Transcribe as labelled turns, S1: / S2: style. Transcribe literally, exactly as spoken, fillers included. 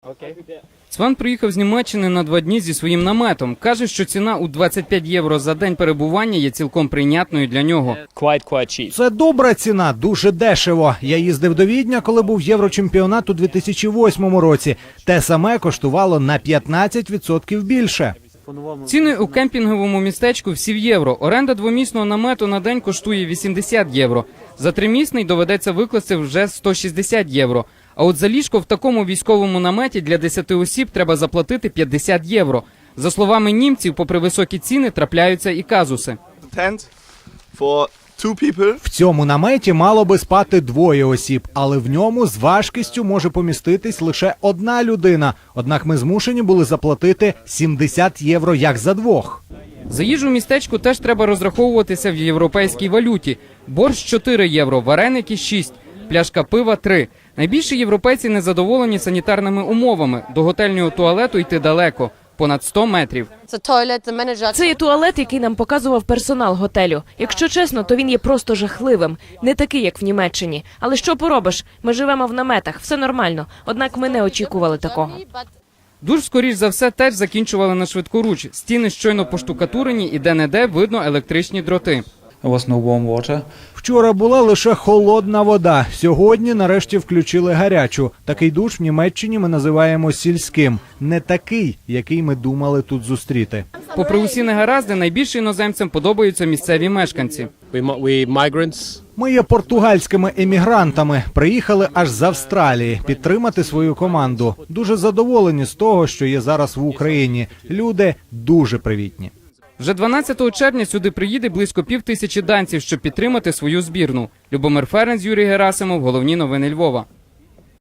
S1: Цван приїхав з Німеччини на два дні зі своїм наметом. Каже, що ціна у двадцять п'ять євро за день перебування є цілком прийнятною для нього.
S2: Це добра ціна, дуже дешево. Я їздив до Відня, коли був Єврочемпіонат у дві тисячі восьмому році. Те саме коштувало на п'ятнадцять відсотків більше.
S1: Ціни у кемпінговому містечку всі в євро. Оренда двомісного намету на день коштує вісімдесят євро. За тримісний доведеться викласти вже сто шістдесят євро. А от за ліжко в такому військовому наметі для десяти осіб треба заплатити п'ятдесят євро. За словами німців, попри високі ціни, трапляються і казуси.
S2: В цьому наметі мало би спати двоє осіб, але в ньому з важкістю може поміститись лише одна людина. Однак ми змушені були заплатити сімдесят євро як за двох.
S1: За їжу в містечку теж треба розраховуватися в європейській валюті. Борщ – чотири євро, вареники – шість, пляшка пива – три. Найбільше європейці незадоволені санітарними умовами. До готельного туалету йти далеко – понад сто метрів.
S3: Це є туалет, який нам показував персонал готелю. Якщо чесно, то він є просто жахливим. Не такий, як в Німеччині. Але що поробиш? Ми живемо в наметах, все нормально. Однак ми не очікували такого.
S1: Душ, скоріш за все, теж закінчували на швидкоруч. Стіни щойно поштукатурені і де-не-де видно електричні дроти.
S2: Вчора була лише холодна вода. Сьогодні нарешті включили гарячу. Такий душ в Німеччині ми називаємо сільським. Не такий, який ми думали тут зустріти.
S1: Попри усі негаразди, найбільше іноземцям подобаються місцеві мешканці.
S2: Ми є португальськими емігрантами. Приїхали аж з Австралії підтримати свою команду. Дуже задоволені з того, що є зараз в Україні. Люди дуже привітні.
S1: Вже дванадцятого червня сюди приїде близько пів тисячі данців, щоб підтримати свою збірну. Любомир Ференц, Юрій Герасимов. Головні новини Львова.